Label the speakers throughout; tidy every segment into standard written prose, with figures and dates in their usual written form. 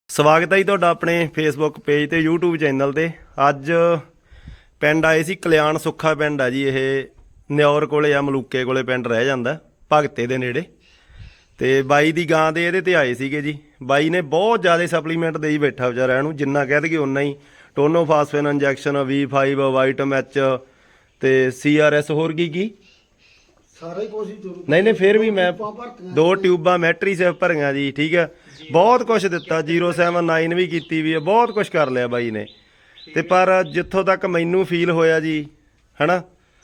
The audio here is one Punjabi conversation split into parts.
Speaker 1: ਸਵਾਗਤ ਹੈ ਜੀ ਤੁਹਾਡਾ ਆਪਣੇ ਫੇਸਬੁੱਕ ਪੇਜ ਤੇ YouTube ਚੈਨਲ ਤੇ। ਅੱਜ ਪਿੰਡ ਆਏ ਸੀ ਕਲਿਆਣ ਸੁੱਖਾ ਪਿੰਡ ਆ ਜੀ। ਇਹ ਨਿਉਰ ਕੋਲੇ ਆ, ਮਲੂਕੇ ਕੋਲੇ ਪਿੰਡ ਰਹਿ ਜਾਂਦਾ, ਭਗਤੇ ਦੇ ਨੇੜੇ। ਤੇ ਬਾਈ ਦੀ ਗਾਂ ਦੇ ਇਹਦੇ ਤੇ ਆਏ ਸੀਗੇ ਜੀ। ਬਾਈ ਨੇ ਬਹੁਤ ਜ਼ਿਆਦਾ ਸਪਲੀਮੈਂਟ ਦੇਈ ਬੈਠਾ ਵਿਚਾਰਾ ਇਹਨੂੰ, ਜਿੰਨਾ ਕਹਿ ਦਈਏ ਉਨਾ ਹੀ। Tonophosphan injection, V5 vitamin H ਤੇ CRS, ਹੋਰ ਕੀ
Speaker 2: ਸਾਰਾ ਕੁਝ
Speaker 1: ਨਹੀਂ ਫਿਰ ਵੀ ਮੈਂ 2 ਟਿਊਬਾਂ ਮੈਟਰੀਸੈਫ ਭਰੀਆਂ ਜੀ। ਠੀਕ ਹੈ, ਬਹੁਤ ਕੁਝ ਦਿੱਤਾ। 079 ਵੀ ਕੀਤੀ ਵੀ ਹੈ, ਬਹੁਤ ਕੁਝ ਕਰ ਲਿਆ ਬਾਈ ਨੇ। ਤੇ ਪਰ ਜਿੱਥੋਂ ਤੱਕ ਮੈਨੂੰ ਫੀਲ ਹੋਇਆ ਜੀ, ਹਨਾ,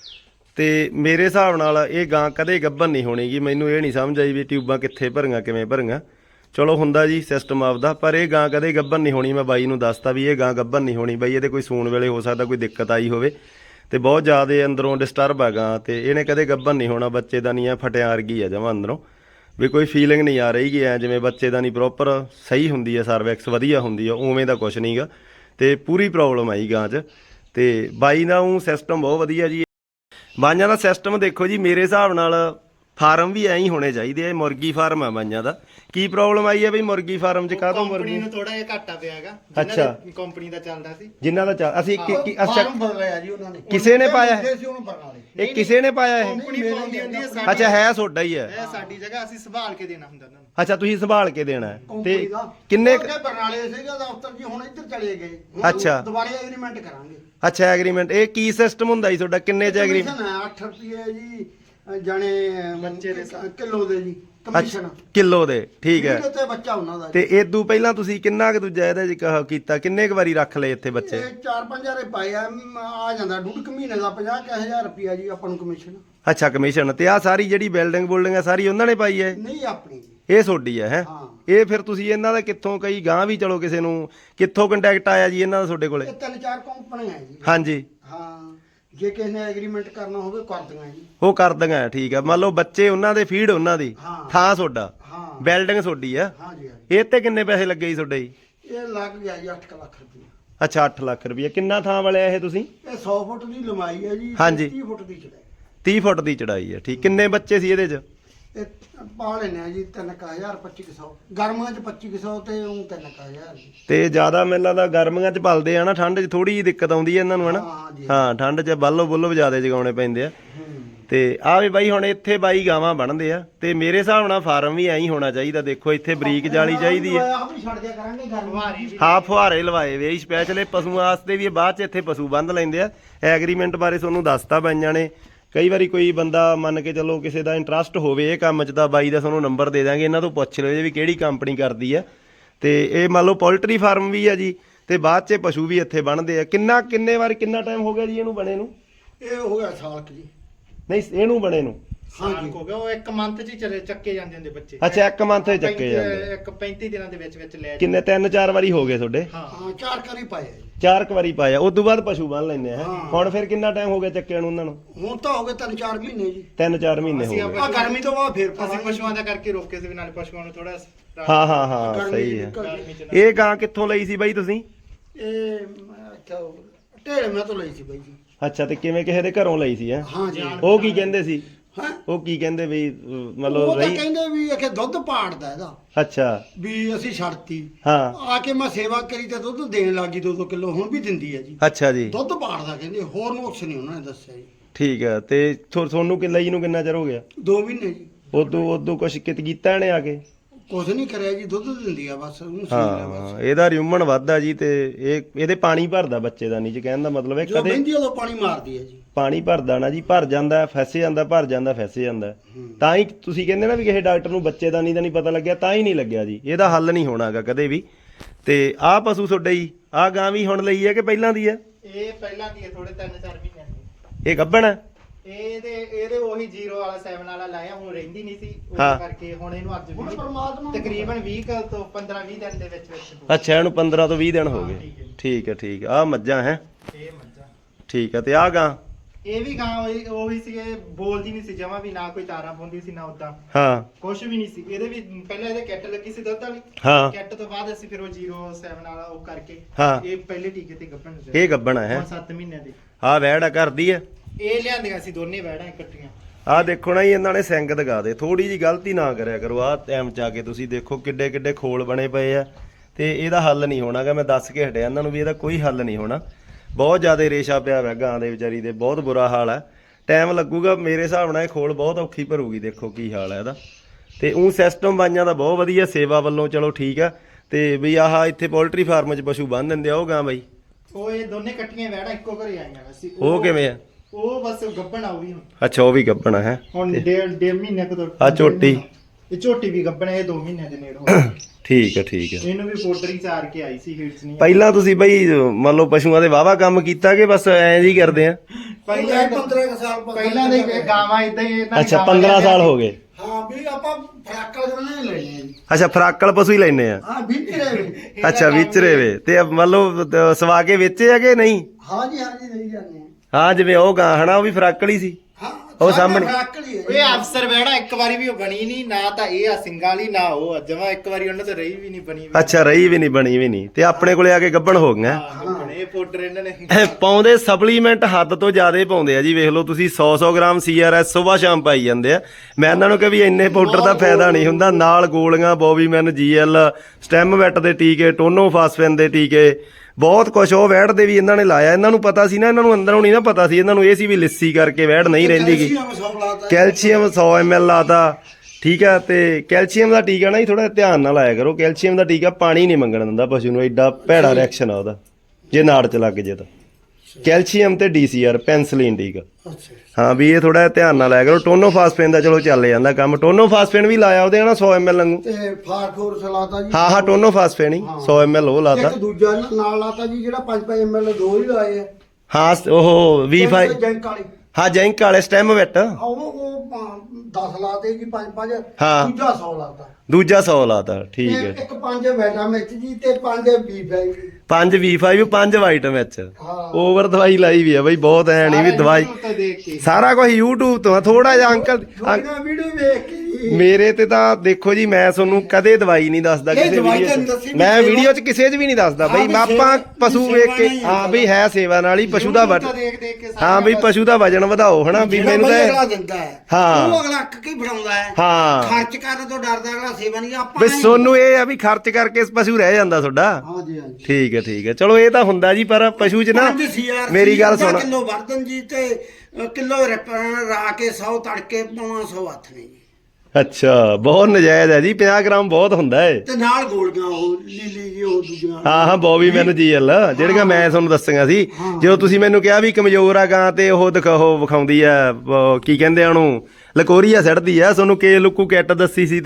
Speaker 1: ਤੇ ਮੇਰੇ ਹਿਸਾਬ ਨਾਲ ਇਹ ਗਾਂ ਕਦੇ ਗੱਭਣ ਨਹੀਂ ਹੋਣੀ ਗੀ। ਮੈਨੂੰ ਇਹ ਨਹੀਂ ਸਮਝ ਆਈ ਵੀ ਟਿਊਬਾਂ ਕਿੱਥੇ ਭਰੀਆਂ, ਕਿਵੇਂ ਭਰੀਆਂ। ਚਲੋ ਹੁੰਦਾ ਜੀ ਸਿਸਟਮ ਆਪਦਾ, ਪਰ ਇਹ ਗਾਂ ਕਦੇ ਗੱਭਣ ਨਹੀਂ ਹੋਣੀ। ਮੈਂ ਬਾਈ ਨੂੰ ਦੱਸਤਾ ਵੀ ਇਹ ਗਾਂ ਗੱਭਣ ਨਹੀਂ ਹੋਣੀ ਬਾਈ, ਇਹਦੇ ਕੋਈ ਸੂਣ ਵੇਲੇ ਹੋ ਸਕਦਾ ਕੋਈ ਦਿੱਕਤ ਆਈ ਹੋਵੇ ਤੇ ਬਹੁਤ ਜ਼ਿਆਦਾ ਅੰਦਰੋਂ ਡਿਸਟਰਬ ਆ ਗਾਂ, ਤੇ ਇਹਨੇ ਕਦੇ ਗੱਭਣ ਨਹੀਂ ਹੋਣਾ। ਬੱਚੇ ਦਾ ਨਹੀਂ ਆ, ਫਟਿਆ ਵਰਗੀ ਆ ਜਮਾਂ ਅੰਦਰੋਂ, ਵੀ ਕੋਈ ਫੀਲਿੰਗ ਨਹੀਂ ਆ ਰਹੀ ਗੀ ਐ ਜਿਵੇਂ ਬੱਚੇ ਦਾ ਨਹੀਂ ਪ੍ਰੋਪਰ ਸਹੀ ਹੁੰਦੀ ਆ, ਸਰਵੈਕਸ ਵਧੀਆ ਹੁੰਦੀ ਆ, ਉਵੇਂ ਦਾ ਕੁਛ ਨਹੀਂ ਗਾ। ਤੇ ਪੂਰੀ ਪ੍ਰੋਬਲਮ ਆਈ ਗਾਂ 'ਚ। ਤੇ ਬਾਈ ਦਾ ਉਹ ਸਿਸਟਮ ਬਹੁਤ ਵਧੀਆ ਜੀ। ਬਾਈਆਂ ਦਾ ਸਿਸਟਮ ਦੇਖੋ ਜੀ, ਮੇਰੇ ਹਿਸਾਬ ਨਾਲ ਫਾਰਮ ਵੀ ਐਂ ਹੀ ਹੋਣੇ ਚਾਹੀਦੇ ਆ। ਮੁਰਗੀ ਫਾਰਮ ਆ ਬਾਈਆਂ ਦਾ। ਕੀ ਪ੍ਰੋਬਲਮ ਆਈ ਹੈ ਬਈ ਮੁਰਗੀ ਫਾਰਮ 'ਚ? ਕਾਹਤੋਂ ਮੁਰਗੀ
Speaker 2: ਨੂੰ ਥੋੜਾ ਜਿਹਾ ਘਾਟਾ ਪਿਆ ਹੈਗਾ।
Speaker 1: ਅੱਛਾ,
Speaker 2: ਕੰਪਨੀ ਦਾ ਚੱਲਦਾ ਸੀ,
Speaker 1: ਜਿਨ੍ਹਾਂ ਦਾ ਅਸੀਂ ਅੱਛਾ
Speaker 2: ਬਦਲਿਆ ਜੀ ਉਹਨਾਂ ਨੇ।
Speaker 1: ਕਿਸੇ ਨੇ ਪਾਇਆ
Speaker 2: ਸੀ ਉਹਨੂੰ ਬਰਨਾਲੇ,
Speaker 1: ਇਹ ਕਿਸੇ ਨੇ ਪਾਇਆ ਇਹ?
Speaker 2: ਕੰਪਨੀ ਪਾਉਂਦੀ ਹੁੰਦੀ ਹੈ ਸਾਡੀ।
Speaker 1: ਅੱਛਾ, ਹੈ ਤੁਹਾਡਾ ਹੀ ਹੈ
Speaker 2: ਇਹ ਸਾਡੀ ਜਗ੍ਹਾ, ਅਸੀਂ ਸੰਭਾਲ ਕੇ ਦੇਣਾ ਹੁੰਦਾ ਉਹਨਾਂ ਨੂੰ।
Speaker 1: ਅੱਛਾ, ਤੁਸੀਂ ਸੰਭਾਲ ਕੇ ਦੇਣਾ ਹੈ। ਤੇ
Speaker 2: ਕਿੰਨੇ
Speaker 1: ਕਿੰਨੇ
Speaker 2: ਬਰਨਾਲੇ ਸੀਗਾ ਦਫ਼ਤਰ ਜੀ, ਹੁਣ ਇੱਧਰ ਚਲੇ ਗਏ।
Speaker 1: ਅੱਛਾ,
Speaker 2: ਦੁਬਾਰੇ ਐਗਰੀਮੈਂਟ ਕਰਾਂਗੇ।
Speaker 1: ਅੱਛਾ ਐਗਰੀਮੈਂਟ, ਇਹ ਕੀ ਸਿਸਟਮ ਹੁੰਦਾ ਜੀ ਤੁਹਾਡਾ? ਕਿੰਨੇ ਚ ਐਗਰੀਮੈਂਟ?
Speaker 2: 8 ਰੁਪਏ ਜੀ ਜਾਣੇ ਬੱਚੇ ਦੇ ਕਿਲੋ ਦੇ ਜੀ ਕਮਿਸ਼ਨ,
Speaker 1: ਕਿਲੋ ਦੇ। ਠੀਕ ਹੈ,
Speaker 2: ਤੇ ਬੱਚਾ ਉਹਨਾਂ ਦਾ।
Speaker 1: ਤੇ ਇਦੋਂ ਪਹਿਲਾਂ ਤੁਸੀਂ ਕਿੰਨਾ ਕੁ ਦੂਜਾ ਇਹਦੇ ਚ ਕੀਤਾ? ਕਿੰਨੇ ਕੁ ਵਾਰੀ ਰੱਖ ਲਏ ਇੱਥੇ ਬੱਚੇ?
Speaker 2: 4-5 ਹਜ਼ਾਰ ਪਾਏ ਆ ਜਾਂਦਾ ਡੂਢ ਕੁ ਮਹੀਨੇ ਦਾ 50,000 ਰੁਪਇਆ ਜੀ ਆਪਾਂ ਨੂੰ ਕਮਿਸ਼ਨ।
Speaker 1: ਅੱਛਾ, ਕਮਿਸ਼ਨ। ਤੇ ਆਹ ਸਾਰੀ ਜਿਹੜੀ ਬਿਲਡਿੰਗ ਬੁਲਡਿੰਗ ਆ ਸਾਰੀ ਉਹਨਾਂ ਨੇ ਪਾਈ ਹੈ?
Speaker 2: ਨਹੀਂ, ਆਪਣੀ
Speaker 1: ਇਹ ਤੁਹਾਡੀ ਹੈ?
Speaker 2: ਹਾਂ।
Speaker 1: ਇਹ ਫਿਰ ਤੁਸੀਂ ਇਹਨਾਂ ਦਾ ਕਿੱਥੋਂ, ਕਈ ਗਾਂ ਵੀ ਚਲੋ ਕਿਸੇ ਨੂੰ ਕਿੱਥੋਂ ਕੰਟੈਕਟ ਆਇਆ ਜੀ ਇਹਨਾਂ ਦਾ ਤੁਹਾਡੇ ਕੋਲੇ?
Speaker 2: ਇਹ 3-4 ਕੰਪਨੀਆਂ ਜੀ।
Speaker 1: ਹਾਂਜੀ
Speaker 2: ਹਾਂ, ਜੇ ਕਿਸੇ ਨੇ ਐਗਰੀਮੈਂਟ ਕਰਨਾ ਹੋਵੇ ਕਰ ਦਿਆਂ ਜੀ।
Speaker 1: ਉਹ ਕਰ ਦਿਆਂ। ਠੀਕ ਆ, ਮੰਨ ਲਓ ਬੱਚੇ ਉਹਨਾਂ ਦੇ, ਫੀਡ ਉਹਨਾਂ ਦੀ, ਥਾਂ ਤੁਹਾਡਾ,
Speaker 2: ਹਾਂ,
Speaker 1: ਬਿਲਡਿੰਗ ਤੁਹਾਡੀ ਆ।
Speaker 2: ਹਾਂ ਜੀ।
Speaker 1: ਇਹ ਤੇ ਕਿੰਨੇ ਪੈਸੇ ਲੱਗੇ ਜੀ ਤੁਹਾਡੇ ਜੀ?
Speaker 2: ਇਹ ਲੱਗ ਗਿਆ ਜੀ 8 ਲੱਖ ਰੁਪਏ।
Speaker 1: ਅੱਛਾ, 8 ਲੱਖ ਰੁਪਏ। ਕਿੰਨਾ ਥਾਂ ਵਾਲਿਆ ਇਹ ਤੁਸੀਂ?
Speaker 2: ਇਹ 100 ਫੁੱਟ ਦੀ ਲੰਬਾਈ ਹੈ ਜੀ।
Speaker 1: ਹਾਂਜੀ।
Speaker 2: 30 ਫੁੱਟ ਦੀ ਚੜਾਈ।
Speaker 1: 30 ਫੁੱਟ ਦੀ ਚੜਾਈ ਹੈ। ਠੀਕ। ਕਿੰਨੇ ਬੱਚੇ ਸੀ ਇਹਦੇ 'ਚ?
Speaker 2: ਇਹ ਪਾ ਲੈਣੇ ਆ ਜੀ 3,000 2500। ਗਰਮਾਂ 'ਚ 2500 ਤੇ ਉਹ 3,000 ਜੀ।
Speaker 1: ਤੇ ਜ਼ਿਆਦਾ ਮੈਨੂੰ ਲੱਗਦਾ ਗਰਮੀਆਂ 'ਚ ਪਲਦੇ ਆ ਨਾ, ਠੰਡ 'ਚ ਥੋੜੀ ਜਿਹੀ ਦਿੱਕਤ ਆਉਂਦੀ ਹੈ ਇਹਨਾਂ ਨੂੰ, ਹਨਾ?
Speaker 2: ਹਾਂ ਜੀ।
Speaker 1: ਹਾਂ, ਠੰਡ 'ਚ ਬਾਲੋ ਬੁੱਲੋ ਜ਼ਿਆਦਾ ਜਗਾਉਣੇ ਪੈਂਦੇ ਆ। ਤੇ ਆ ਵੀ ਬਾਈ, ਹੁਣ ਇੱਥੇ ਬਾਈ ਗਾਵਾਂ ਬਣਦੇ ਆ, ਤੇ ਮੇਰੇ ਹਿਸਾਬ ਨਾਲ ਫਾਰਮ ਵੀ ਐਂ ਹੀ ਹੋਣਾ ਚਾਹੀਦਾ। ਦੇਖੋ ਇੱਥੇ ਬਰੀਕ ਜਾਲੀ ਚਾਹੀਦੀ ਹੈ।
Speaker 2: ਆਪ ਵੀ ਛੱਡ ਦਿਆ ਕਰਾਂਗੇ ਗਰਮਾਰੀ ਵੀ।
Speaker 1: ਹਾਂ, ਫੁਹਾਰੇ ਲਵਾਏ ਵੇ ਸਪੈਸ਼ਲ ਪਸ਼ੂਆਂ ਵਾਸਤੇ ਵੀ। ਬਾਅਦ 'ਚ ਇੱਥੇ ਪਸ਼ੂ ਬੰਦ ਲੈਂਦੇ ਆ। ਐਗਰੀਮੈਂਟ ਬਾਰੇ ਤੁਹਾਨੂੰ ਦੱਸਤਾ ਬਾਈਆਂ ਨੇ। ਕਈ ਵਾਰੀ ਕੋਈ ਬੰਦਾ ਮੰਨ ਕੇ ਚੱਲੋ ਕਿਸੇ ਦਾ ਇੰਟਰਸਟ ਹੋਵੇ ਇਹ ਕੰਮ 'ਚ, ਤਾਂ ਬਾਈ ਦਾ ਤੁਹਾਨੂੰ ਨੰਬਰ ਦੇ ਦਾਂਗੇ, ਇਹਨਾਂ ਤੋਂ ਪੁੱਛ ਲਿਓ ਵੀ ਕਿਹੜੀ ਕੰਪਨੀ ਕਰਦੀ ਆ। ਤੇ ਇਹ ਮੰਨ ਲਓ ਪੋਲਟਰੀ ਫਾਰਮ ਵੀ ਆ ਜੀ, ਤੇ ਬਾਅਦ 'ਚ ਪਸ਼ੂ ਵੀ ਇੱਥੇ ਬਣਦੇ ਆ। ਕਿੰਨੇ ਵਾਰ, ਕਿੰਨਾ ਟਾਈਮ ਹੋ ਗਿਆ ਜੀ ਇਹਨੂੰ ਬਣੇ ਨੂੰ?
Speaker 2: ਇਹ ਹੋ ਗਿਆ ਸਾਲ ਕੁ ਜੀ।
Speaker 1: ਨਹੀਂ, ਇਹਨੂੰ ਬਣੇ ਨੂੰ
Speaker 2: ਹਾਂਜੀ, ਹੋ ਗਿਆ। ਉਹ 1 ਮੰਥ 'ਚ ਹੀ ਚੱਕੇ ਜਾਂਦੇ ਹੁੰਦੇ ਬੱਚੇ।
Speaker 1: ਅੱਛਾ, 1 ਮੰਥ 'ਚ ਚੱਕੇ ਜਾਂਦੇ।
Speaker 2: 35 ਦਿਨਾਂ ਦੇ ਵਿੱਚ ਲੈ
Speaker 1: ਕਿੰਨੇ, 3-4 ਵਾਰੀ ਹੋ ਗਏ ਤੁਹਾਡੇ?
Speaker 2: ਹਾਂ, 4 ਕਰੀ ਪਾਏ ਜੀ।
Speaker 1: 4 ਵਾਰੀ ਪਾਇਆ, ਉਸ ਤੋਂ ਬਾਅਦ ਪਸ਼ੂ ਬੰਨ ਲੈਂਦੇ ਆ। ਹੁਣ ਫਿਰ ਕਿੰਨਾ ਟਾਈਮ ਹੋ ਗਿਆ ਚੱਕਿਆਂ ਨੂੰ ਉਹਨਾਂ ਨੂੰ?
Speaker 2: ਹੁਣ ਤਾਂ ਹੋ ਗਏ 3-4 ਮਹੀਨੇ ਜੀ।
Speaker 1: 3-4 ਮਹੀਨੇ ਹੋ ਗਏ।
Speaker 2: ਆ ਗਰਮੀ ਤੋਂ ਬਾਅਦ ਫਿਰ
Speaker 3: ਅਸੀਂ ਪਸ਼ੂਆਂ ਦਾ ਕਰਕੇ ਰੋਕੇ ਸੀ ਵੀ ਨਾਲੇ ਪਸ਼ੂਆਂ ਨੂੰ ਥੋੜਾ।
Speaker 1: ਹਾਂ, ਸਹੀ ਹੈ। ਇਹ ਗਾਂ ਕਿੱਥੋਂ ਲਈ ਸੀ ਬਾਈ ਤੁਸੀਂ?
Speaker 2: ਇਹ ਢੇੜੇ ਮੈਂ ਤੋਂ ਲਈ ਸੀ ਬਾਈ ਜੀ।
Speaker 1: ਅੱਛਾ, ਤੇ ਕਿਵੇਂ ਕਿਸੇ ਦੇ ਘਰੋਂ ਲਈ ਸੀ? ਹੈ
Speaker 2: ਹਾਂ ਜੀ।
Speaker 1: ਉਹ ਕੀ ਕਹਿੰਦੇ ਸੀ?
Speaker 2: ਹੈਂ?
Speaker 1: ਉਹ ਕੀ ਕਹਿੰਦੇ ਵੀ ਮਤਲਬ
Speaker 2: ਉਹ ਤਾਂ
Speaker 1: ਰਹੀ?
Speaker 2: ਕਹਿੰਦੇ ਵੀ ਅਖੇ ਦੁੱਧ ਪਾੜਦਾ ਇਹਦਾ,
Speaker 1: ਅੱਛਾ,
Speaker 2: ਵੀ ਅਸੀਂ ਛੱਡਤੀ।
Speaker 1: ਹਾਂ।
Speaker 2: ਆ ਕੇ ਮੈਂ ਸੇਵਾ ਕਰੀ ਤੇ ਦੁੱਧ ਦੇਣ ਲੱਗੀ 2-2 ਕਿਲੋ, ਹੁਣ ਵੀ ਦਿੰਦੀ ਹੈ ਜੀ।
Speaker 1: ਅੱਛਾ ਜੀ।
Speaker 2: ਦੁੱਧ ਪਾੜਦਾ ਕਹਿੰਦੇ, ਹੋਰ ਨੁਕਸ ਨਹੀਂ ਉਹਨਾਂ ਨੇ ਦੱਸਿਆ ਜੀ।
Speaker 1: ਠੀਕ ਹੈ। ਤੇ ਤੁਹਾਨੂੰ ਲਈ ਨੂੰ ਕਿੰਨਾ ਚਿਰ ਹੋ ਗਿਆ?
Speaker 2: 2 ਮਹੀਨੇ ਜੀ।
Speaker 1: ਉਦੋਂ ਕੁਛ ਕੀਤਾ ਇਹਨੇ ਆ ਕੇ?
Speaker 2: ਕੁਝ ਨਹੀਂ ਕਰਿਆ ਜੀ, ਦੁੱਧ ਦਿੰਦੀ ਆ ਬਸ, ਉਹਨੂੰ ਸੀਲ ਆ ਬਸ।
Speaker 1: ਹਾਂ, ਇਹਦਾ ਰਿਊਮਨ ਵੱਧਦਾ ਜੀ, ਤੇ ਇਹਦੇ ਪਾਣੀ ਭਰਦਾ ਬੱਚੇ ਦਾ, ਨਹੀਂ ਜੀ ਕਹਿਣ ਦਾ ਮਤਲਬ ਹੈ।
Speaker 2: ਜਦੋਂ
Speaker 1: ਕਦੇ
Speaker 2: ਬਹਿੰਦੀ ਉਦੋਂ ਪਾਣੀ ਮਾਰਦੀ ਹੈ ਜੀ।
Speaker 1: ਪਾਣੀ ਭਰਦਾ ਨਾ ਜੀ, ਭਰ ਜਾਂਦਾ, ਫੈਸ ਜਾਂਦਾ, ਭਰ ਜਾਂਦਾ, ਫੈਸ ਜਾਂਦਾ। ਤਾਂ ਹੀ ਤੁਸੀਂ ਕਹਿੰਦੇ ਨਾ ਵੀ ਕਿਸੇ ਡਾਕਟਰ ਨੂੰ ਬੱਚੇ ਦਾ ਨਹੀਂ ਪਤਾ ਲੱਗਿਆ, ਤਾਂ ਹੀ ਨਹੀਂ ਲੱਗਿਆ ਜੀ। ਇਹਦਾ ਹੱਲ ਨਹੀਂ ਹੋਣਾਗਾ ਕਦੇ ਵੀ। ਤੇ ਆਹ ਪਸ਼ੂ ਤੁਹਾਡੇ ਜੀ, ਆਹ ਗਾਂ ਵੀ ਹੁਣ ਲਈ ਹੈ ਕਿ ਪਹਿਲਾਂ ਦੀ ਹੈ?
Speaker 3: ਇਹ ਪਹਿਲਾਂ ਦੀ ਹੈ, ਥੋੜੇ 3-4 ਮਹੀਨਿਆਂ ਦੀ।
Speaker 1: ਇਹ ਗੱਭਣ ਹੈ?
Speaker 3: ਇਹਦੇ ਉਹੀ 0 ਵਾਲਾ 7 ਵਾਲਾ ਲਾਇਆ, ਹੁਣ ਰਹਿੰਦੀ ਨਹੀਂ ਸੀ, ਉਹ ਕਰਕੇ ਹੁਣ ਇਹਨੂੰ ਅੱਜ
Speaker 2: ਹੁਣ ਪਰਮਾਤਮਾ
Speaker 3: ਤਕਰੀਬਨ 20 ਤੋਂ 15-20 ਦਿਨ ਦੇ ਵਿੱਚ।
Speaker 1: ਅੱਛਾ, ਇਹਨੂੰ 15 ਤੋਂ 20 ਦਿਨ ਹੋ ਗਏ। ਠੀਕ ਹੈ, ਠੀਕ ਹੈ। ਆਹ ਮੱਝਾਂ ਹੈ?
Speaker 3: ਇਹ ਮੱਝਾਂ।
Speaker 1: ਠੀਕ ਹੈ। ਤੇ ਆਹ ਗਾਂ?
Speaker 3: ਇਹ ਵੀ ਗਾਂ ਉਹੀ ਸੀਗੇ, ਬੋਲਦੀ ਨਹੀਂ ਸੀ ਜਮਾ ਵੀ, ਨਾ ਕੋਈ ਤਾਰਾਂ ਪਾਉਂਦੀ ਸੀ ਨਾ ਉਦਾਂ
Speaker 1: ਹਾਂ,
Speaker 3: ਕੁਛ ਵੀ ਨਹੀਂ ਸੀ। ਇਹਦੇ ਵੀ ਪਹਿਲਾਂ ਇਹਦੇ ਕਿੱਟ ਲੱਗੀ ਸੀ ਦੁੱਧ ਵਾਲੀ।
Speaker 1: ਹਾਂ।
Speaker 3: ਕਿੱਟ ਤੋਂ ਬਾਅਦ ਅਸੀਂ ਫਿਰ ਉਹ 0-7 ਵਾਲਾ ਉਹ ਕਰਕੇ
Speaker 1: ਹਾਂ।
Speaker 3: ਇਹ ਪਹਿਲੇ ਟੀਕੇ ਤੇ ਗੱਭਣ
Speaker 1: ਇਹ ਗੱਭਣ ਹੈ?
Speaker 3: 7 ਮਹੀਨਿਆਂ ਦੀ।
Speaker 1: ਆਹ ਵੈੜ ਆ ਕਰਦੀ ਹੈ?
Speaker 3: ਇਹ ਲਿਆਂਦੀਆਂ ਸੀ ਦੋਨੇ ਵੈੜਾਂ ਇਕੱਠੀਆਂ।
Speaker 1: ਆਹ ਦੇਖੋ ਨਾ ਜੀ, ਇਹਨਾਂ ਨੇ ਸਿੰਗ ਦਿਖਾ ਦੇ। ਥੋੜੀ ਜੀ ਗਲਤੀ ਨਾ ਕਰਿਆ ਕਰੋ। ਆਹ ਟਾਈਮ ਚ ਆ ਕੇ ਤੁਸੀਂ ਦੇਖੋ ਕਿੱਡੇ ਖੋਲ ਬਣੇ ਪਏ ਆ, ਤੇ ਇਹਦਾ ਹੱਲ ਨਹੀਂ ਹੋਣਾਗਾ। ਮੈਂ ਦੱਸ ਕੇ ਹਟਿਆ ਇਹਨਾਂ ਨੂੰ ਵੀ ਇਹਦਾ ਕੋਈ ਹੱਲ ਨਹੀਂ ਹੋਣਾ। ਬਹੁਤ ਜ਼ਿਆਦਾ ਰੇਸ਼ਾ ਪਿਆ ਹੋਇਆ ਗਾਂ ਦੇ ਵਿਚਾਰੀ ਦੇ, ਬਹੁਤ ਬੁਰਾ ਹਾਲ ਹੈ। ਟਾਈਮ ਲੱਗੂਗਾ ਮੇਰੇ ਹਿਸਾਬ ਨਾਲ, ਇਹ ਖੋਲ ਬਹੁਤ ਔਖੀ ਭਰੂਗੀ। ਦੇਖੋ ਕੀ ਹਾਲ ਹੈ ਇਹਦਾ। ਤੇ ਉਹ ਸਿਸਟਮ ਬਾਈਆਂ ਦਾ ਬਹੁਤ ਵਧੀਆ, ਸੇਵਾ ਵੱਲੋਂ ਚਲੋ ਠੀਕ ਆ। ਤੇ ਵੀ ਆਹ ਇੱਥੇ ਪੋਲਟਰੀ ਫਾਰਮ 'ਚ ਪਸ਼ੂ ਬੰਨ ਦਿੰਦੇ ਆ ਉਹ ਗਾਂ ਬਾਈ,
Speaker 3: ਉਹ ਇਹ ਦੋਨੇ ਇਕੱਠੀਆਂ ਵੈੜਾਂ ਇੱਕੋ ਘਰੇ ਆਈਆਂ ਵੈਸੇ।
Speaker 1: ਉਹ ਕਿਵੇਂ ਆ?
Speaker 3: ਉਹ ਬਸ ਗੱਭਣ ਆ ਉਹ ਵੀ ਹੁਣ।
Speaker 1: ਅੱਛਾ ਉਹ ਵੀ ਗੱਭਣਾ ਹੈ
Speaker 3: ਹੁਣ ਡੇਢ ਮਹੀਨੇ ਕੁ ਤੋਂ
Speaker 1: ਆ ਝੋਟੀ।
Speaker 3: ਇਹ ਝੋਟੀ ਵੀ ਗੱਭਣ, ਇਹ 2 ਮਹੀਨਿਆਂ ਦੇ ਨੇੜੇ ਹੋ
Speaker 1: ਠੀਕ ਹੈ ਠੀਕ ਹੈ।
Speaker 3: ਇਹਨੂੰ ਵੀ ਪੋਲਟਰੀ ਚਾਰ ਕੇ ਆਈ ਸੀ, ਹੀਟਸ ਨਹੀਂ।
Speaker 1: ਪਹਿਲਾਂ ਤੁਸੀਂ ਬਈ ਮੰਨ ਲਓ ਪਸ਼ੂਆਂ ਦੇ ਵਾਵਾ ਕੰਮ ਕੀਤਾ ਕਿ ਬਸ ਐਂ ਜੀ ਕਰਦੇ ਆ?
Speaker 3: ਪਹਿਲਾਂ
Speaker 2: 15 ਸਾਲ
Speaker 3: ਪਹਿਲਾਂ ਦੇ ਗਾਵਾਂ ਇਦਾਂ ਹੀ ਇਹਨਾਂ
Speaker 1: ਅੱਛਾ 15 ਸਾਲ ਹੋ ਗਏ।
Speaker 2: ਹਾਂ ਵੀ ਆਪਾਂ ਫਰਾਕਲ ਕਰਨੇ ਲੈਣੇ ਆ ਜੀ।
Speaker 1: ਅੱਛਾ ਫਰਾਕਲ ਪਸ਼ੂ ਹੀ ਲੈਨੇ ਆ।
Speaker 2: ਹਾਂ ਵਿਚਰੇ ਵੇ।
Speaker 1: ਅੱਛਾ ਵਿਚਰੇ ਵੇ ਤੇ ਮੰਨ ਲਓ ਸਵਾ ਕੇ ਵੇਚੇ ਹੈਗੇ ਨਹੀਂ?
Speaker 2: ਹਾਂ ਜੀ ਨਹੀਂ ਜਾਂਦੇ
Speaker 1: ਹਾਂ ਜਿਵੇਂ ਉਹ ਗਾਂ ਹਨਾ ਉਹ ਵੀ ਫਰਾਕਲ ਹੀ ਸੀ।
Speaker 2: ਹਾਂ
Speaker 1: ਉਹ ਸਾਹਮਣੇ
Speaker 2: ਫਰਾਕਲ ਹੀ ਹੈ ਜੀ।
Speaker 3: ਇਹ ਅਫਸਰ ਵੈੜਾ ਇੱਕ ਵਾਰੀ ਵੀ ਉਹ ਬਣੀ ਨਹੀਂ ਨਾ, ਤਾਂ ਇਹ ਆ ਸਿੰਘਾਂ ਵਾਲੀ ਨਾ ਉਹ ਜਮਾ ਇੱਕ ਵਾਰੀ ਉਹਨਾਂ ਤੇ ਰਹੀ ਵੀ ਨਹੀਂ ਬਣੀ ਵੀ।
Speaker 1: ਅੱਛਾ ਰਹੀ ਵੀ ਨਹੀਂ ਬਣੀ ਵੀ ਨਹੀਂ ਤੇ ਆਪਣੇ ਕੋਲੇ ਆ ਕੇ ਗੱਭਣ ਹੋ ਗਈਆਂ।
Speaker 3: ਹਾਂ ਇਹ ਪਾਊਡਰ ਇਹਨਾਂ ਨੇ
Speaker 1: ਪਾਉਂਦੇ ਸਪਲੀਮੈਂਟ ਹੱਦ ਤੋਂ ਜ਼ਿਆਦਾ ਪਾਉਂਦੇ ਆ ਜੀ। ਵੇਖ ਲਓ ਤੁਸੀਂ 100 ਗ੍ਰਾਮ CRS ਸੁਬਾਹ ਸ਼ਾਮ ਪਾਈ ਜਾਂਦੇ ਆ। ਮੈਂ ਇਹਨਾਂ ਨੂੰ ਕਿਹਾ ਵੀ ਇੰਨੇ ਪਾਊਡਰ ਦਾ ਫਾਇਦਾ ਨਹੀਂ ਹੁੰਦਾ, ਨਾਲ ਗੋਲੀਆਂ ਬੋਬੀਮੈਨ GL ਸਟੈਮ ਵੈਟ ਦੇ ਟੀਕੇ, ਟੋਨੋ ਫਾਸਫੇਨ ਦੇ ਟੀਕੇ, ਬਹੁਤ ਕੁਝ ਉਹ ਵੈੜ ਦੇ ਵੀ ਇਹਨਾਂ ਨੇ ਲਾਇਆ। ਇਹਨਾਂ ਨੂੰ ਪਤਾ ਸੀ ਨਾ, ਇਹਨਾਂ ਨੂੰ ਅੰਦਰੋਂ ਨਹੀਂ ਨਾ ਪਤਾ ਸੀ। ਇਹਨਾਂ ਨੂੰ ਇਹ ਸੀ ਵੀ ਲਿੱਸੀ ਕਰਕੇ ਵੈੜ ਨਹੀਂ ਰਹਿੰਦੀਗੀ। ਕੈਲਸ਼ੀਅਮ 100 ml ਲਾਤਾ ਠੀਕ ਆ। ਤੇ ਕੈਲਸ਼ੀਅਮ ਦਾ ਟੀਕਾ ਨਾ ਜੀ ਥੋੜਾ ਧਿਆਨ ਨਾਲ ਲਾਇਆ ਕਰੋ। ਕੈਲਸ਼ੀਅਮ ਦਾ ਟੀਕਾ ਪਾਣੀ ਨਹੀਂ ਮੰਗਣ ਦਿੰਦਾ ਪਸ਼ੂ ਨੂੰ, ਐਡਾ ਭੈੜਾ ਰਿਐਕਸ਼ਨ ਆ ਉਹਦਾ ਜੇ ਨਾੜ ਚ ਲੱਗ ਜੇ ਤਾਂ। ਕੈਲਸ਼ੀਅਮ ਤੇ DCR ਪੈਨਸਲੀਨ ਟੀਕਾ।
Speaker 2: ਅੱਛਾ
Speaker 1: ਹਾਂ ਵੀ ਇਹ ਥੋੜਾ ਧਿਆਨ ਨਾਲ ਲਾਇਆ ਕਰੋ। ਟੋਨੋ ਫਾਸਫੇਨ ਦਾ ਚਲੋ ਚੱਲ ਜਾਂਦਾ ਕੰਮ। ਟੋਨੋ ਫਾਸਫੇਨ ਵੀ ਲਾਇਆ ਉਹਦੇ ਨਾਲ 100 ml ਵਾਂਗੂ।
Speaker 2: ਤੇ ਫਾਰਫੋਰ ਸਲਾਤਾ ਜੀ।
Speaker 1: ਹਾਂ ਟੋਨੋ ਫਾਸਫੇਨ ਹੀ 100 ml ਉਹ ਲਾਤਾ।
Speaker 2: ਇੱਕ ਦੂਜਾ ਨਾਲ ਲਾਤਾ ਜੀ ਜਿਹੜਾ 5 ml ਦੋ ਹੀ ਲਾਏ ਆ।
Speaker 1: ਹਾਂ ਉਹ V5
Speaker 2: ਜੈਂਕ ਵਾਲੀ।
Speaker 1: ਹਾਂ ਜੈਂਕ ਵਾਲੇ ਸਟੈਮ ਵੈਟ
Speaker 2: ਉਹ 10 ਲਾਤੇ ਜੀ 5
Speaker 1: ਹਾਂ।
Speaker 2: ਦੂਜਾ 100 ਲਾਤਾ।
Speaker 1: ਦੂਜਾ 100 ਲਾਤਾ ਠੀਕ ਹੈ।
Speaker 2: ਇੱਕ 5 ਵੈਟਾਮਿਕ ਜੀ ਤੇ 5 ਬੀ5
Speaker 1: 5 V5 5 ਵਾਈਟਮ ਵਿੱਚ
Speaker 2: ਹਾਂ।
Speaker 1: ਓਵਰ ਦਵਾਈ ਲਾਈ ਵੀ ਆ ਬਈ ਬਹੁਤ। ਐ ਨਹੀਂ ਵੀ ਦਵਾਈ
Speaker 3: ਦੇਖ ਕੇ
Speaker 1: ਸਾਰਾ ਕੁਝ YouTube ਤੋਂ ਆ। ਥੋੜਾ ਜਿਹਾ ਅੰਕਲ
Speaker 2: ਥੋੜੀਆਂ ਵੀਡੀਓ ਵੇਖ ਕੇ ਜੀ।
Speaker 1: ਮੇਰੇ ਤੇ ਤਾਂ ਦੇਖੋ ਜੀ ਮੈਂ ਤੁਹਾਨੂੰ ਕਦੇ ਦਵਾਈ ਨਹੀਂ ਦੱਸਦਾ ਕਿਸੇ
Speaker 2: ਦਵਾਈ
Speaker 1: ਵੀਡੀਓ
Speaker 2: ਤਾਂ
Speaker 1: 'ਚ।
Speaker 2: ਦੱਸੀ
Speaker 1: ਮੈਂ
Speaker 2: ਨਹੀਂ,
Speaker 1: ਵੀਡੀਓ 'ਚ ਕਿਸੇ 'ਚ ਵੀ ਨਹੀਂ ਦੱਸਦਾ
Speaker 2: ਹਾਂ
Speaker 1: ਬਈ।
Speaker 2: ਵੀ
Speaker 1: ਆਪਾਂ
Speaker 2: ਸੇਵਾ-
Speaker 1: ਪਸ਼ੂ
Speaker 2: ਸੇਵਾ
Speaker 1: ਵੇਖ ਕੇ
Speaker 2: ਨਹੀਂ
Speaker 1: ਹਾਂ ਬਈ ਹੈ ਸੇਵਾ ਨਾਲ ਹੀ ਪਸ਼ੂ ਦਾ
Speaker 3: YouTube ਤੋਂ ਦੇਖ ਦੇਖ ਕੇ
Speaker 1: ਹਾਂ ਬਈ ਪਸ਼ੂ ਦਾ ਵਜਨ ਵਧਾਓ ਹਨਾ ਵੀ
Speaker 2: ਜਿਹੜਾ
Speaker 1: ਮੈਨੂੰ
Speaker 2: ਬਈ ਅਗਲਾ
Speaker 1: ਤਾਂ
Speaker 2: ਦਿੰਦਾ ਹੈ
Speaker 1: ਹਾਂ।
Speaker 2: ਉਹ ਅਗਲਾ ਅੱਕ ਕੇ ਫੜਾਉਂਦਾ ਹੈ।
Speaker 1: ਹਾਂ
Speaker 2: ਖਰਚ ਕਰਨ ਤੋਂ ਡਰਦਾ ਅਗਲਾ ਸੇਵਾ ਨਹੀਂ ਆਪਾਂ
Speaker 1: ਬਈ ਸੋਨੂੰ ਇਹ ਆ ਵੀ ਖਰਚ ਕਰਕੇ ਪਸ਼ੂ ਰਹਿ ਜਾਂਦਾ ਤੁਹਾਡਾ।
Speaker 2: ਹਾਂ ਜੀ ਹਾਂ ਜੀ।
Speaker 1: ਠੀਕ ਹੈ ਚਲੋ ਇਹ ਤਾਂ ਹੁੰਦਾ ਜੀ ਪਰ ਪਸ਼ੂ 'ਚ ਨਾ
Speaker 2: 5 CRC
Speaker 1: ਮੇਰੀ ਗੱਲ ਸੁਣ।
Speaker 2: ਕਿਲੋ ਵਰਦਨ ਜੀ ਤੇ ਕਿਲੋ ਰਾ ਕੇ 100 ਤੜਕੇ ਪਾਉਣਾ 100 ਹੱਥ ਨੇ ਜੀ।
Speaker 1: ਅੱਛਾ ਬਹੁਤ ਨਜਾਇਜ਼ ਹੈ ਜੀ। 50 ਗ੍ਰਾਮ ਬਹੁਤ ਹੁੰਦਾ ਏ।
Speaker 2: ਤੇ ਨਾਲ ਗੋਲੀਆਂ ਉਹ ਲੀਲੀ ਜੀ ਉਹ ਦੂਜੀਆਂ।
Speaker 1: ਹਾਂ ਬੋਬੀ ਮੈਨੂੰ GL ਜਿਹੜੀਆਂ ਮੈਂ ਤੁਹਾਨੂੰ ਦੱਸੀਆਂ ਸੀ। ਜਦੋਂ ਤੁਸੀਂ ਮੈਨੂੰ ਕਿਹਾ ਵੀ ਕਮਜ਼ੋਰ ਆ ਗਾਂ ਤੇ ਉਹ ਦਿਖਾਓ ਵਿਖਾਉਂਦੀ ਆ ਕੀ ਕਹਿੰਦੇ ਆ ਉਹਨੂੰ ਲਕੋਰੀਆ ਸੜਦੀ ਆ। ਤੁਹਾਨੂੰ ਕੇ ਲੁੱਕੂ ਕਿੱਟ ਦੱਸੀ ਸੀ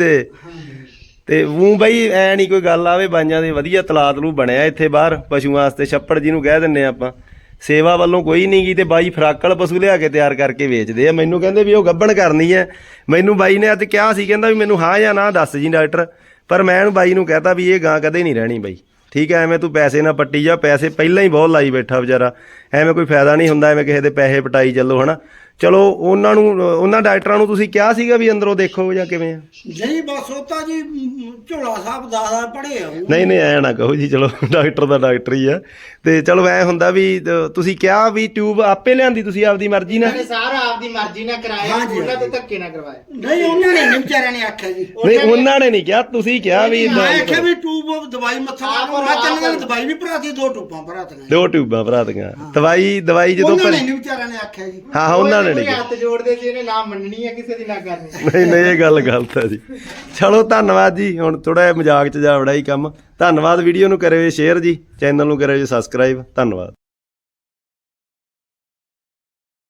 Speaker 1: ਤੇ ਉਹ ਬਈ ਐ ਨਹੀਂ ਕੋਈ ਗੱਲ ਆਵੇ। ਬਾਈਆਂ ਦੇ ਵਧੀਆ ਤਲਾਤ ਨੂੰ ਬਣਿਆ ਇੱਥੇ ਬਾਹਰ ਪਸ਼ੂਆਂ ਵਾਸਤੇ, ਛੱਪੜ ਜਿਹਨੂੰ ਕਹਿ ਦਿੰਨੇ ਆਪਾਂ। ਸੇਵਾ ਵੱਲੋਂ ਕੋਈ ਨਹੀਂ ਗੀ ਤੇ ਬਾਈ ਫਰਾਕਲ ਪਸ਼ੂ ਲਿਆ ਕੇ ਤਿਆਰ ਕਰਕੇ ਵੇਚਦੇ ਆ। ਮੈਨੂੰ ਕਹਿੰਦੇ ਵੀ ਉਹ ਗੱਭਣ ਕਰਨੀ ਹੈ। ਮੈਨੂੰ ਬਾਈ ਨੇ ਅੱਜ ਕਿਹਾ ਸੀ, ਕਹਿੰਦਾ ਵੀ ਮੈਨੂੰ ਹਾਂ ਜਾਂ ਨਾ ਦੱਸ ਜੀ ਡਾਕਟਰ। ਪਰ ਮੈਂ ਉਹਨੂੰ ਬਾਈ ਨੂੰ ਕਹਤਾ ਵੀ ਇਹ ਗਾਂ ਕਦੇ ਨਹੀਂ ਰਹਿਣੀ ਬਾਈ ਠੀਕ ਹੈ। ਐਵੇਂ ਤੂੰ ਪੈਸੇ ਨਾ ਪੱਟੀ ਜਾ, ਪੈਸੇ ਪਹਿਲਾਂ ਹੀ ਬਹੁਤ ਲਾਈ ਬੈਠਾ ਵਿਚਾਰਾ। ਐਵੇਂ ਕੋਈ ਫਾਇਦਾ ਨਹੀਂ ਹੁੰਦਾ, ਐਵੇਂ ਕਿਸੇ ਦੇ ਪੈਸੇ ਪਟਾਈ ਚੱਲੋ ਹਨਾ। ਚਲੋ ਉਹਨਾਂ ਡਾਕਟਰਾਂ ਨੂੰ ਤੁਸੀਂ ਕਿਹਾ ਸੀਗਾ ਵੀ ਅੰਦਰੋਂ ਦੇਖੋ ਜਾਂ ਕਿਵੇਂ ਆ?
Speaker 2: ਨਹੀਂ ਬਸ ਉਹ ਤਾਂ ਜੀ ਝੋਲਾ ਸਾਹਿਬ ਦਾਦਾ ਪੜ੍ਹੇ ਆ ਉਹ।
Speaker 1: ਨਹੀਂ ਐ ਨਾ ਕਹੋ ਜੀ। ਚਲੋ ਡਾਕਟਰ ਦਾ ਡਾਕਟਰ ਹੀ ਆ। ਤੇ ਚਲੋ ਐ ਹੁੰਦਾ ਵੀ ਤੁਸੀਂ ਕਿਹਾ ਵੀ ਟਿਊਬ ਆਪੇ ਲਿਆਂਦੀ ਤੁਸੀਂ ਆਪਦੀ ਮਰਜ਼ੀ ਨਾਲ?
Speaker 3: ਇਹਨੇ ਸਾਰਾ ਆਪਦੀ ਮਰਜ਼ੀ ਨਾਲ ਕਰਾਇਆ,
Speaker 2: ਹਾਂਜੀ,
Speaker 3: ਉਹਨਾਂ ਤੇ ਧੱਕੇ ਨਾ ਕਰਵਾਇਆ।
Speaker 2: ਨਹੀਂ ਉਹਨਾਂ ਨੇ ਨਹੀਂ ਵਿਚਾਰਿਆਂ ਨੇ ਆਖਿਆ ਜੀ।
Speaker 1: ਨਹੀਂ ਉਹਨਾਂ ਨੇ ਨਹੀਂ ਕਿਹਾ, ਤੁਸੀਂ ਕਿਹਾ ਵੀ
Speaker 2: ਮੈਂ ਆਖਿਆ ਵੀ ਟੂਬ ਦਵਾਈ ਮੱਥਾ ਮਾਰੋ। ਮੈਂ ਤਿੰਨ ਦਿਨ ਦਵਾਈ ਵੀ ਭਰਾਤੀ, 2 ਟੂਬਾਂ ਭਰਾਤੀਆਂ।
Speaker 1: 2 ਟਿਊਬਾਂ ਭਰਾਤੀਆਂ। ਦਵਾਈ ਜਦੋਂ
Speaker 2: ਉਹਨਾਂ ਨੇ ਨਹੀਂ ਵਿਚਾਰਿਆਂ ਨੇ ਆਖਿਆ ਜੀ।
Speaker 1: ਹਾਂ ਉਹਨਾਂ ਨੇ ਨਹੀਂ ਕਿਹਾ।
Speaker 3: ਹੱਥ ਜੋੜਦੇ ਸੀ, ਇਹਨੇ ਨਾ ਮੰਨਣੀ ਹੈ ਕਿਸੇ ਦੀ ਨਾ ਕਰਨੀ।
Speaker 1: ਨਹੀਂ ਇਹ ਗੱਲ ਗਲਤ ਹੈ ਜੀ। ਚਲੋ ਧੰਨਵਾਦ ਜੀ। ਹੁਣ ਥੋੜਾ ਜਿਹਾ ਮਜ਼ਾਕ ਚ ਜਾ ਵੜਾ ਹੀ ਕੰਮ। ਧੰਨਵਾਦ। ਵੀਡੀਓ ਨੂੰ ਕਰਿਓ ਸ਼ੇਅਰ ਜੀ, ਚੈਨਲ ਨੂੰ ਕਰਿਓ ਸਬਸਕ੍ਰਾਈਬ। ਧੰਨਵਾਦ।